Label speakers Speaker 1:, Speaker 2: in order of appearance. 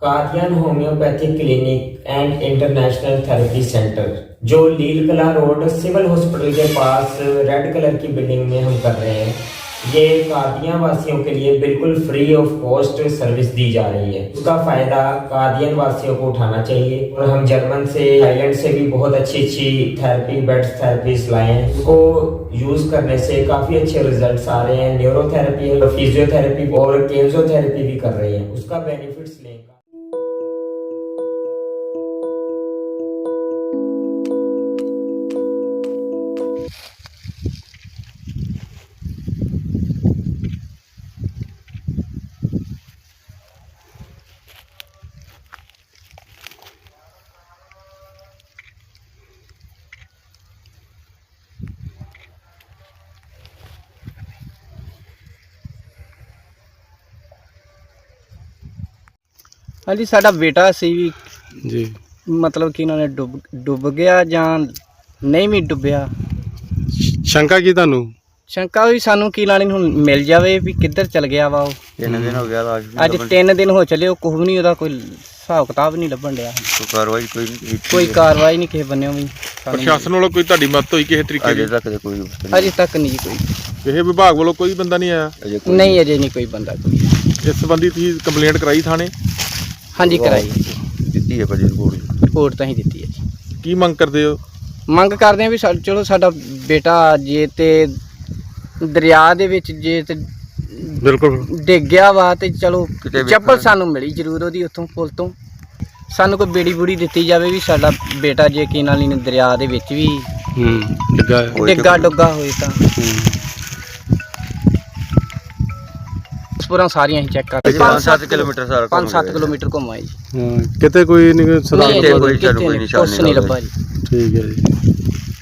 Speaker 1: Kadian homeopathic clinic and international therapy centre जो Leel Kala road civil hospital के पास रेड कलर की बिल्डिंग में हम कर रहे हैं। ये कादियान वासियों के लिए बिल्कुल फ्री ऑफ कॉस्ट सर्विस दी जा रही है। उसका फायदा कादियान वासियों को उठाना चाहिए और हम जर्मन से थाईलैंड से भी बहुत अच्छी थेरेपी बेड्स थेरेपीज लाए हैं। उसको यूज करने से काफी अच्छे रिजल्ट्स आ रहे हैं। न्यूरोथेरेपी, फिजियोथेरेपी और केंजोथेरेपी भी कर रहे हैं। उसका बेनिफिट्स लें।
Speaker 2: हाँ जी, साडा बेटा सी भी
Speaker 3: जी
Speaker 2: मतलब कि इन्होंने डुब गया ਜਾਂ ਨਹੀਂ ਵੀ ਡੁੱਬਿਆ।
Speaker 3: ਸ਼ੰਕਾ ਕੀ ਤੁਹਾਨੂੰ?
Speaker 2: ਸ਼ੰਕਾ ਵੀ ਸਾਨੂੰ ਕੀ ਲਾਣੀ ਹੁਣ ਮਿਲ ਜਾਵੇ ਵੀ ਕਿੱਧਰ ਚਲ ਗਿਆ ਵਾ ਉਹ।
Speaker 4: 3 ਦਿਨ ਹੋ ਗਿਆ
Speaker 2: ਅੱਜ 3 ਦਿਨ ਹੋ ਚਲੇ, ਉਹ ਕੁਝ ਵੀ ਨਹੀਂ, ਉਹਦਾ ਕੋਈ ਹਿਸਾਬ ਕਿਤਾਬ ਨਹੀਂ ਲੱਭਣ ਡਿਆ।
Speaker 4: ਕਾਰਵਾਈ ਕੋਈ ਨਹੀਂ
Speaker 2: ਕੋਈ ਕਾਰਵਾਈ ਨਹੀਂ ਕਿਸੇ ਬੰਨਿਓ ਵੀ।
Speaker 3: ਪ੍ਰਸ਼ਾਸਨ ਵੱਲੋਂ ਕੋਈ ਤੁਹਾਡੀ ਮਦਦ ਹੋਈ ਕਿਸੇ ਤਰੀਕੇ
Speaker 4: ਅਜੇ
Speaker 3: ਦੀ?
Speaker 4: ਤੱਕ ਤੇ ਕੋਈ
Speaker 2: ਅਜੇ ਤੱਕ ਨਹੀਂ ਜੀ ਕੋਈ।
Speaker 3: ਕਿਸੇ ਵਿਭਾਗ ਵੱਲੋਂ ਕੋਈ ਬੰਦਾ ਨਹੀਂ ਆਇਆ?
Speaker 2: ਨਹੀਂ ਅਜੇ ਨਹੀਂ ਕੋਈ ਬੰਦਾ ਕੋਈ।
Speaker 3: ਇਸ ਸੰਬੰਧੀ ਤੁਸੀਂ ਕੰਪਲੇਂਟ ਕਰਾਈ ਥਾਣੇ?
Speaker 2: ਹਾਂਜੀ ਕਰਾਈ,
Speaker 4: ਦਿੱਤੀ ਹੈ ਭਾਜੀ ਰਿਪੋਰਟ।
Speaker 2: ਰਿਪੋਰਟ ਤਾਂ ਹੀ ਦਿੱਤੀ ਹੈ ਜੀ।
Speaker 3: ਕੀ ਮੰਗ ਕਰਦੇ ਹੋ?
Speaker 2: ਮੰਗ ਕਰਦੇ ਆ ਵੀ ਚਲੋ ਸਾਡਾ ਬੇਟਾ ਜੇ ਤੇ ਦਰਿਆ ਦੇ ਵਿੱਚ ਜੇ ਤੇ
Speaker 3: ਬਿਲਕੁਲ
Speaker 2: ਡਿੱਗ ਗਿਆ ਵਾ ਤੇ ਚਲੋ
Speaker 4: ਕਿਤੇ ਵੇਖਣ-
Speaker 2: ਚੱਪਲ ਸਾਨੂੰ ਮਿਲੀ ਜ਼ਰੂਰ ਉਹਦੀ ਉੱਥੋਂ ਪੁਲ ਤੋਂ। ਸਾਨੂੰ ਕੋਈ ਬੇੜੀ ਬੂੜੀ ਦਿੱਤੀ ਜਾਵੇ ਵੀ ਸਾਡਾ ਬੇਟਾ ਜੇ ਕੀ ਨਾਲ ਹੀ ਦਰਿਆ ਦੇ ਵਿੱਚ ਵੀ
Speaker 3: ਲੱਗਾ
Speaker 2: ਡਿੱਗਾ ਡੁੱਗਾ ਹੋਏ ਤਾਂ ਪੂਰਾ ਸਾਰੀਆਂ ਹੀ ਚੈੱਕ ਕਰਦੇ।
Speaker 4: 5-7 ਕਿਲੋਮੀਟਰ ਸਾਰਾ
Speaker 2: 5-7 ਕਿਲੋਮੀਟਰ ਘੁੰਮਾਏ ਜੀ।
Speaker 3: ਕਿਤੇ ਕੋਈ ਨਹੀਂ
Speaker 4: ਨਹੀਂ,
Speaker 3: ਸੁਧਾਰ?
Speaker 4: ਕੋਈ ਸਾਨੂੰ ਕੋਈ ਨਿਸ਼ਾਨ
Speaker 2: ਕੁਛ ਨਹੀਂ ਲੱਭਾ ਜੀ।
Speaker 3: ਠੀਕ ਹੈ ਜੀ।